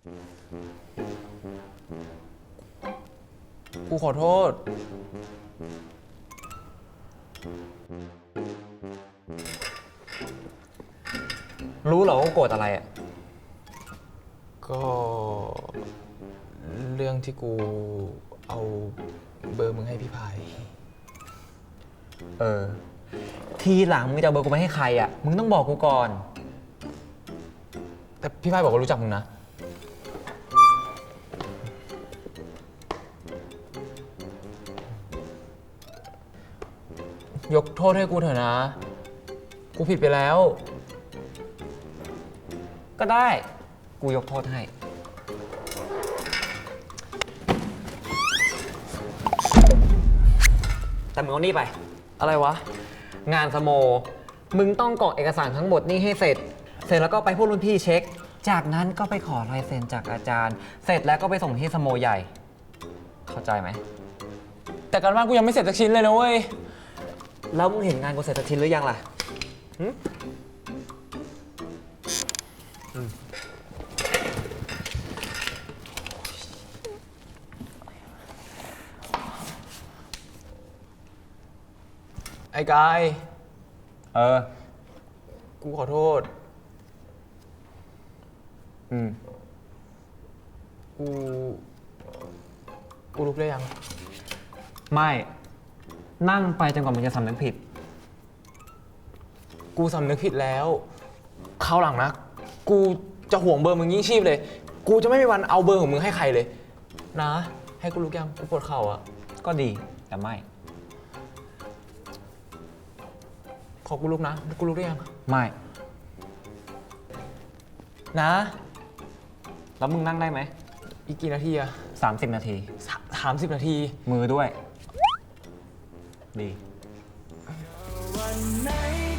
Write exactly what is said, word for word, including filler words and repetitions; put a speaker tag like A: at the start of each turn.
A: กูขอโทษ
B: รู้เหรอว่าโกรธอะไรอ่ะ
A: ก็เรื่องที่กูเอาเบอร์มึงให้พี่พาย
B: เออทีหลังมึงจะเอาเบอร์กูไปให้ใครอ่ะมึงต้องบอกกูก่อน
A: แต่พี่พายบอกว่ารู้จักมึงนะยกโทษให้กูเถอะนะกูผิดไปแล้ว
B: ก็ได้กูยกโทษให้แต่มึงเอานี่ไป
A: อะไรวะ
B: งานสโมมึงต้องกรอกเอกสารทั้งหมดนี่ให้เสร็จเสร็จแล้วก็ไปพูดรุ่นพี่เช็คจากนั้นก็ไปขอลายเซ็นจากอาจารย์เสร็จแล้วก็ไปส่งที่สโมใหญ่เข้าใจไหม
A: แต่การบ้านกูยังไม่เสร็จสักชิ้นเลยนะเว้ย
B: แล้วมึงเห็นงานกูเสร็จสักชิ้นหรือยังล่ะ
A: ไอ้กาย
B: เออ
A: กูขอโทษ
B: อืม
A: กูกูลุกได้ยัง
B: ไม่นั่งไปจนกว่ามึงจะสำนึกผิด
A: กูสำนึกผิดแล้วคราวหลังนะกูจะห่วงเบอร์มึงยิ่งชีพเลยกูจะไม่มีวันเอาเบอร์ของมึงให้ใครเลยนะให้กูลุกยังกูปวดเข่าอ่ะ
B: ก็ดีแต่ไม่
A: ขอกูลุกนะกูลุกได้ยัง
B: ไม่
A: นะ
B: แล้วมึงนั่งได้ไหม
A: อีกกี่นาทีอะ
B: สามสิบนาที
A: สามสิบนาที
B: มือด้วยดี
C: วันไหน